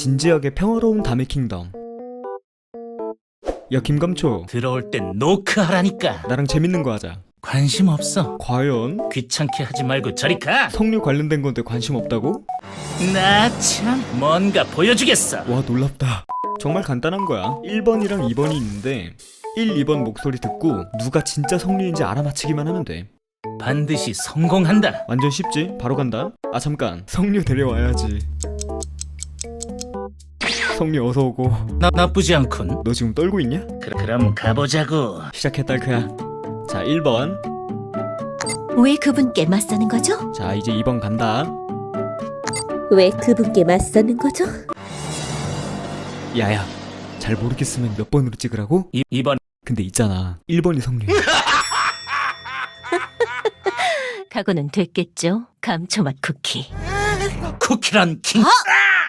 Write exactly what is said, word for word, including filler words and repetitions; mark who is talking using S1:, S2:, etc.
S1: 진지하게 평화로운 담의 킹덤. 야 김감초,
S2: 들어올 땐 노크하라니까.
S1: 나랑 재밌는 거 하자.
S2: 관심 없어.
S1: 과연?
S2: 귀찮게 하지 말고 저리 가.
S1: 석류 관련된 건데 관심 없다고?
S2: 나 참 뭔가 보여주겠어.
S1: 와 놀랍다. 정말 간단한 거야. 일 번이랑 이 번이 있는데 일, 이 번 목소리 듣고 누가 진짜 석류인지 알아맞히기만 하면 돼.
S2: 반드시 성공한다.
S1: 완전 쉽지? 바로 간다. 아 잠깐, 석류 데려와야지. 석류 어서 오고.
S2: 나 나쁘지 않군.
S1: 너 지금 떨고 있냐?
S2: 그, 그럼 가보자고.
S1: 시작해 딸크야. 자 일 번.
S3: 왜 그분께 맞서는 거죠?
S1: 자 이제 이 번 간다.
S3: 왜 그분께 맞서는 거죠?
S1: 야야, 잘 모르겠으면 몇 번으로 찍으라고?
S2: 이, 이번
S1: 근데 있잖아, 일 번이 석류.
S3: 각오는 됐겠죠? 감초맛 쿠키.
S2: 쿠키란 킹.